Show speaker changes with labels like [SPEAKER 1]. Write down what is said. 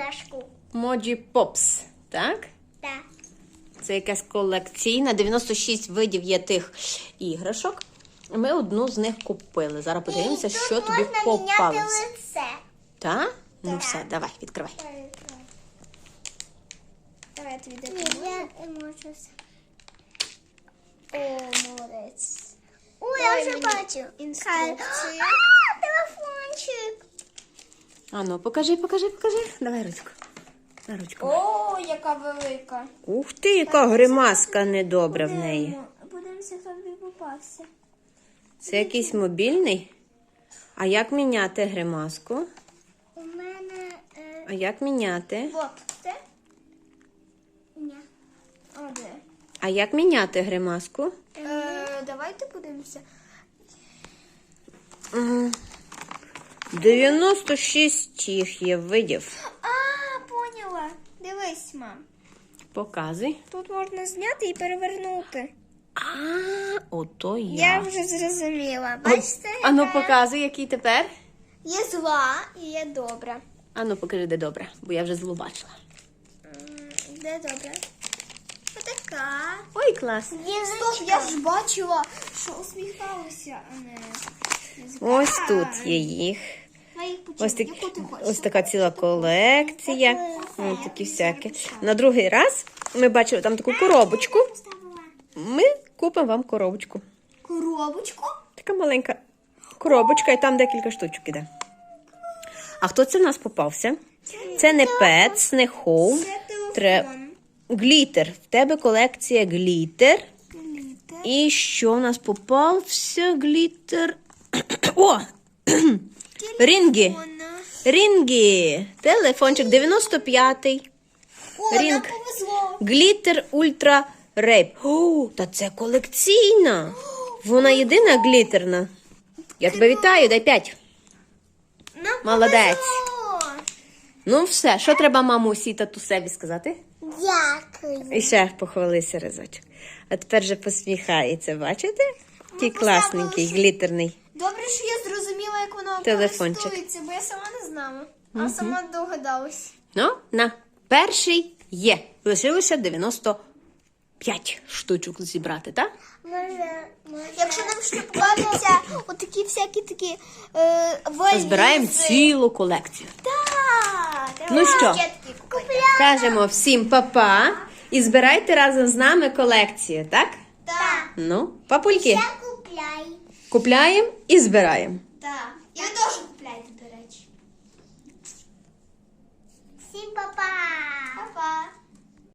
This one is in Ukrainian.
[SPEAKER 1] іграшку.
[SPEAKER 2] Моджі Попс, так?
[SPEAKER 1] Так.
[SPEAKER 2] Це якась колекційна. 96 видів є тих іграшок. Ми одну з них купили. Зараз подивимося, що тобі попалося.
[SPEAKER 1] Можна міняти лице.
[SPEAKER 2] Так? Ну
[SPEAKER 1] Так.
[SPEAKER 2] все, давай, відкривай.
[SPEAKER 1] Давай я тобі допоможу. Я можу. О, молодець. Ой, я вже бачу. Інструкція. Телефончик.
[SPEAKER 2] А ну, покажи. Давай ручку. На ручку.
[SPEAKER 1] О, яка велика.
[SPEAKER 2] Ух ти, яка гримаска недобра в неї.
[SPEAKER 1] Подивимося, хто тобі попався.
[SPEAKER 2] Це якийсь мобільний? А як міняти гримаску?
[SPEAKER 1] У мене...
[SPEAKER 2] А як міняти?
[SPEAKER 1] Вот, це? Ні. О, де?
[SPEAKER 2] А як міняти гримаску?
[SPEAKER 1] Давайте подивимося.
[SPEAKER 2] 96 їх є видів.
[SPEAKER 1] А, поняла. Дивись, мам.
[SPEAKER 2] Показуй.
[SPEAKER 1] Тут можна зняти і перевернути.
[SPEAKER 2] Ото
[SPEAKER 1] Я
[SPEAKER 2] я.
[SPEAKER 1] вже зрозуміла. Бачите?
[SPEAKER 2] А ну
[SPEAKER 1] яка?
[SPEAKER 2] показуй, який тепер.
[SPEAKER 1] Є зла і є добра.
[SPEAKER 2] А ну покажи, де добре, бо я вже злу бачила.
[SPEAKER 1] Де добра? Отака.
[SPEAKER 2] Ой, клас.
[SPEAKER 1] Стоп, я ж бачила, що усміхалася, а не...
[SPEAKER 2] Ось тут є їх. Ось така ціла колекція. Ось такі всякі. На другий раз ми бачили там таку коробочку. Ми купимо вам коробочку.
[SPEAKER 1] Коробочку?
[SPEAKER 2] Така маленька коробочка, і там декілька штучок іде. А хто це в нас попався? Це не Pets, не Home.
[SPEAKER 1] Це телефон.
[SPEAKER 2] Глітер. В тебе колекція глітер.
[SPEAKER 1] Глітер.
[SPEAKER 2] І що в нас попався? Глітер. О! Рінги. Рінги. Телефончик 95-й.
[SPEAKER 1] О, нам
[SPEAKER 2] Рінг.
[SPEAKER 1] повезло.
[SPEAKER 2] Глітер Ультра Рейп. О, та це колекційна. Вона єдина глітерна. Я тебе вітаю, дай 5.
[SPEAKER 1] Нам
[SPEAKER 2] Молодець.
[SPEAKER 1] повезло.
[SPEAKER 2] Ну все, що треба мамусі і татусеві сказати?
[SPEAKER 1] Дякую.
[SPEAKER 2] І ще похвалися разочок. А тепер же посміхається, бачите? Який класненький, глітерний.
[SPEAKER 1] Добре, що я зрозуміла, як воно
[SPEAKER 2] Телефончик.
[SPEAKER 1] користується, бо я сама не знала. А сама догадалась.
[SPEAKER 2] Ну, на, перший є. Лишилося 95 штучок зібрати, так?
[SPEAKER 1] Якщо нам ще попадуться отакі всякі такі валізи.
[SPEAKER 2] Збираємо цілу колекцію.
[SPEAKER 1] Так.
[SPEAKER 2] Ну що?
[SPEAKER 1] Купляємо.
[SPEAKER 2] Кажемо всім па-па і збирайте разом з нами колекцію, так?
[SPEAKER 1] Так.
[SPEAKER 2] Ну, папульки,
[SPEAKER 1] Купляй.
[SPEAKER 2] купляємо і збираємо.
[SPEAKER 1] Так.